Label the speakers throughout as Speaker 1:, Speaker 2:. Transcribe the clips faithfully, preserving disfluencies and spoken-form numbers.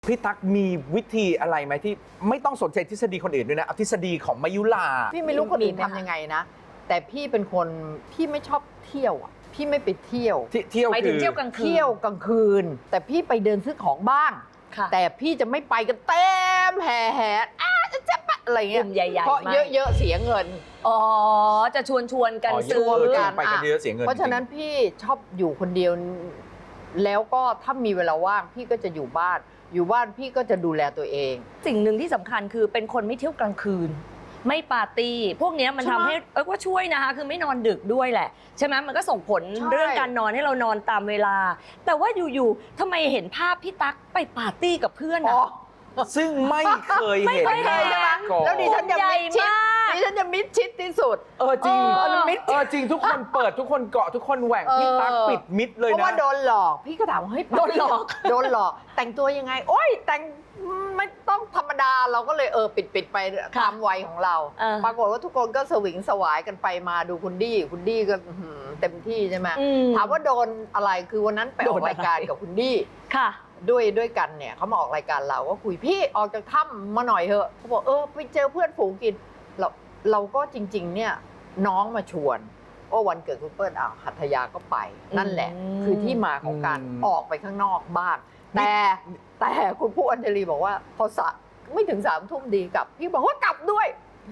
Speaker 1: พี่ตั๊กมีวิธีอะไรไหมที่ไม่ต้องสนใจทฤษฎีคนอื่นด้วยนะเอาทฤษฎีของมายุลา
Speaker 2: พี่ไม่รู้คนอื่นทำยังไงนะแต่พี่เป็นคนพี่ไม่ชอบเที่ยวอ่ะพี่ไม่ไปเที่ยว
Speaker 1: ที่เที่ยว
Speaker 3: ไป
Speaker 1: คื
Speaker 3: ถึง
Speaker 1: อ
Speaker 3: เที่ยวกลางคืน
Speaker 2: เที่ยวกลางคืน แต่พี่ไปเดินซื้อของบ้าง
Speaker 3: ค่ะ
Speaker 2: แต่พี่จะไม่ไปกันเต็มแห่แห่อ้าจะจะปะอะไร
Speaker 3: ก
Speaker 2: เงี้ย
Speaker 3: ลุ่มใหญ่ๆ
Speaker 2: เพราะ
Speaker 3: มาก
Speaker 2: เยอะๆเสียเงิน
Speaker 3: อ๋อจะชวนชวนๆกัน
Speaker 1: อ๋อ
Speaker 3: ซื้อ
Speaker 1: เยอะ
Speaker 2: กั
Speaker 1: ไปกันเยอะเสียเงิน
Speaker 2: เพราะฉะนั้นพี่ชอบอยู่คนเดียว แล้วก็ถ้ามีเวลาว่างพี่ก็จะอยู่บ้าน อยู่บ้านพี่ก็จะดูแลตัวเอง
Speaker 3: สิ่งหนึ่งที่สำคัญคือเป็นคนไม่เที่ยวกลางคืน ไม่ปาร์ตี้ พวกเนี้ยมัน
Speaker 2: ใช่
Speaker 3: ทำ
Speaker 2: ไหม
Speaker 3: ให้เออว่าช่วยนะคะ คือไม่นอนดึกด้วยแหละ ใช่ไหมมันก็ส่งผล
Speaker 2: ใช่
Speaker 3: เรื่องการนอนให้เรานอนตามเวลา แต่ว่าอยู่ๆทำไมเห็นภาพพี่ตั๊กไปปาร์ตี้กับเพื่อน
Speaker 2: อ๋
Speaker 3: อะ
Speaker 2: อ
Speaker 1: ซึ่งไม่เคย
Speaker 3: ไม่
Speaker 1: เห็น
Speaker 3: เคยเห็น
Speaker 1: มาก่อน
Speaker 2: แล้วดิฉันจะมิดชิด
Speaker 3: ใหญ่มาก
Speaker 2: ดิฉันจะมิดชิดที่สุด
Speaker 1: เออจริง
Speaker 3: เออ
Speaker 1: มิดเออจริงทุกคนเปิดทุกคนเกาะทุกคนแหว่ง
Speaker 2: เออ
Speaker 1: พี่ตั๊กปิดมิดเลย
Speaker 2: เพราะ
Speaker 1: นะ
Speaker 2: ว่าโดนหลอก พี่ก็ถามว่าเฮ้ย
Speaker 3: โดนหลอก
Speaker 2: โดนหลอก แต่งตัวยังไง โอ๊ยแต่งไม่ต้องธรรมดาเราก็เลยเออปิดปิดไปตามวัยของเรา
Speaker 3: เออ
Speaker 2: ปรากฏว่าทุกคนก็สวิงสวายกันไปมาดูคุณดี้คุณดี้ก็อื้อหือเต็มที่ใช่ไหม
Speaker 3: อืม
Speaker 2: ถามว่าโดนอะไรคือวันนั้นไปออก
Speaker 3: โดนอะไร
Speaker 2: รายการกับคุณดี้
Speaker 3: ค่ะ
Speaker 2: ด้วยด้วยกันเนี่ยเขามาออกรายการเราก็คุยพี่ออกจากถ้ำมาหน่อยเถอะเขาบอกเออไปเจอเพื่อนฝูงกินเราเราก็จริงๆเนี่ยน้องมาชวนโอ้วันเกิดคุณเปิ้ลอ่ะหัตถยาก็ไป นั่นแหละ
Speaker 3: อืม
Speaker 2: คือที่มาของการ
Speaker 1: อืม
Speaker 2: ออกไปข้างนอกบ้าง แต่แต่คุณผู้อัญชลีบอกว่าพอสะไม่ถึงสามทุ่มดีกลับ พี่บอกว่ากลับด้วย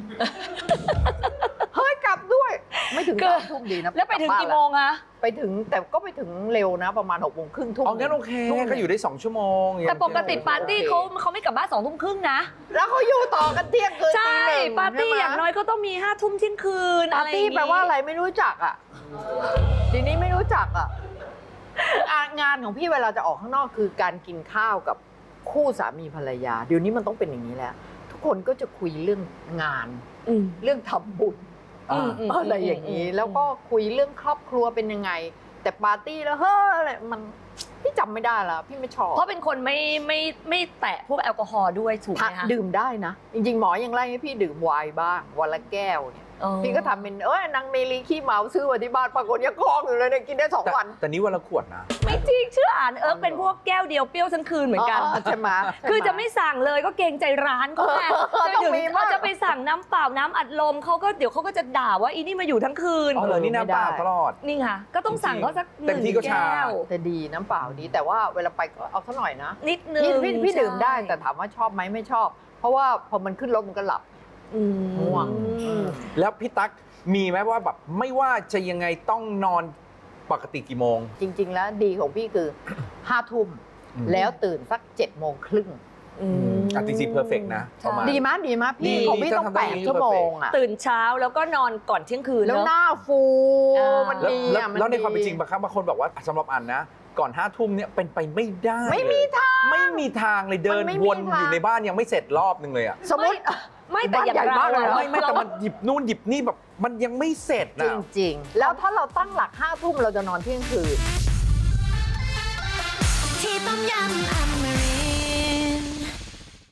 Speaker 2: เฮ้ยกลับด้วย ไม่ถึง
Speaker 3: คือ
Speaker 2: สามทุ่มดีนะ
Speaker 3: แล้วไปถึง
Speaker 2: ลับบ้าน
Speaker 3: กี่โมงอะ
Speaker 2: ไปถึงแต่ก็ไปถึงเร็วนะ ประมาณหกโมงครึ่งทุ่ม
Speaker 1: เอางั้นโอเค
Speaker 2: ทุ่ม
Speaker 1: ก็อยู่ได้สองชั่วโมง
Speaker 3: แต่ปกติปาร์ตี้เขาเขาไม่กลับบ้านสองทุ่มครึ่งนะ
Speaker 2: แล้วเขาอยู่ต่อกันเที่ยงคืน
Speaker 3: ใช่
Speaker 2: ตีหนึ่ง
Speaker 3: ปาร์ตี้
Speaker 2: ใช่ไหม
Speaker 3: อย่างน้อยก็ต้องมีห้าทุ่มเที่ยงคืน
Speaker 2: ปา
Speaker 3: อะ
Speaker 2: ร์
Speaker 3: ไร
Speaker 2: ตี้
Speaker 3: อย่งงี้
Speaker 2: แปลว่าอะไรไม่รู้จักอ่ะทีนี้ไม่รู้จักอ่ะงานงานของพี่เวลาจะออกข้างนอกคือการกินข้าวกับคู่สามีภรรยา เดี๋ยวนี้มันต้องเป็นอย่างนี้แล้ว ทุกคนก็จะคุยเรื่องงาน
Speaker 3: อืม
Speaker 2: เรื่องทำบุญ
Speaker 1: อ่า
Speaker 3: อืม
Speaker 2: อะไรอย่างนี้ แล้วก็คุยเรื่องครอบครัวเป็นยังไง แต่ปาร์ตี้แล้วเฮ้ยอะไรมันพี่จำไม่ได้แล้วพี่ไม่ชอบ
Speaker 3: เพราะเป็นคนไม่ไม่ไม่แตะพวกแอลกอฮอล์ด้วยถูกไหมคะ
Speaker 2: ดื่มได้นะ จริงๆ หมอยังไล่ให้พี่ดื่มไวน์บ้างวันละแก้วเนี่ย
Speaker 3: เออ
Speaker 2: พี่ก็ทำเป็นเอ้ยนางเมลีขี้เมาซื้อมาที่บ้านปรากฏยังคลองอยู่เลยเนี่ยกินได้สอง
Speaker 1: แต่
Speaker 2: วัน
Speaker 1: แต่นี้วันละขวดนะ
Speaker 3: ไม่จริงเชื่ออ่านเอิร์กเป็นพวกแก้วเดียวเปรี้ยวทั้งคืนเหมือนกัน
Speaker 2: ใช่ไหม
Speaker 3: คือจะไม่สั่งเลยก็เกรงใจร้านเขาไง
Speaker 2: เออ
Speaker 3: จะ
Speaker 2: ต้อง
Speaker 3: ถึง
Speaker 2: มีบ้าง
Speaker 3: เขาจะไปสั่งน้ำเปล่าน้ำอัดลมเขาก็เดี๋ยวเขาก็จะด่าว่าอีนี่มาอยู่ทั้งคืน
Speaker 1: อ๋อเหรอนี่น้ำเปล่าตลอด
Speaker 3: นี่ค่ะ ก็ต้องสั่งเขาสักห
Speaker 1: เต็
Speaker 3: นึ่
Speaker 1: ม
Speaker 3: ง
Speaker 1: ที่ก็ชา
Speaker 3: แก้ว
Speaker 2: แต่ดีน้ำเปล่าดี แต่ว่าเวลาไปก็เอาสักหน่อยนะ
Speaker 3: นิดนึง
Speaker 2: พี่พี่พี่
Speaker 3: ใช่
Speaker 2: ดื่มได้แต่ถามว่าชอบไหมไม่ชอบ เพราะว่าพอมันขึ้นรถมันก็หลับ
Speaker 3: อืม
Speaker 2: ง่วง
Speaker 1: แล้วพี่ตั๊กมีไหมว่าแบบไม่ว่าจะยังไงต้องนอนปกติกี่โมง
Speaker 2: จริง ๆ แล้วดีของพี่คือห้าทุ่ม
Speaker 1: อืม
Speaker 2: แล้วตื่นสักเจ็ดโมงครึ่ง
Speaker 3: อืม
Speaker 1: อ่ะจริงๆเพอร์เฟกนะประมาณ
Speaker 2: ดีมั้ยดีมั้ย
Speaker 1: ดี
Speaker 2: พี่ของพี่ต้อง
Speaker 1: ถ้าทำได้
Speaker 2: แปด
Speaker 1: อย่างนี้
Speaker 2: ชั่วโมงอ่ะ
Speaker 3: ตื่นเช้าแล้วก็นอนก่อนเที่ยงคืน
Speaker 2: แล้ว
Speaker 3: เนอะ
Speaker 2: หน้าฟู
Speaker 3: อ่ามั
Speaker 2: มัน
Speaker 1: แล้ว
Speaker 2: ดี
Speaker 1: แล้ว
Speaker 2: อ่ะมัน
Speaker 1: แล้วในความเป็น
Speaker 2: ดี
Speaker 1: จริงบางครั้งบางคนบอกว่าสำหรับอันนะ ก่อนห้าทุ่มเนี่ยเป็นไปไม่ได้
Speaker 2: ไม่มี
Speaker 1: เลยไม่มีทางเลยเดิน
Speaker 2: มันไม่มี
Speaker 1: วน
Speaker 2: ทาง
Speaker 1: อยู่ในบ้านยังไม่เสร็จรอบนึงเลยอ่ะ
Speaker 2: สมมติ
Speaker 3: ไม่แต่อย่าง
Speaker 2: บ้านใหญ่
Speaker 3: เรา
Speaker 2: มากเลย
Speaker 3: อะ
Speaker 1: ไม่ไม่แต่มันหยิบนู่นหยิบนี่แบบมันยังไม่เสร็จ
Speaker 2: จ
Speaker 1: นะ
Speaker 2: ริง ๆ แล้วถ้าเราตั้งหลักห้าทุ่มเราจะนอนเที่ยงคืน
Speaker 4: ที่ต้มยำอมริ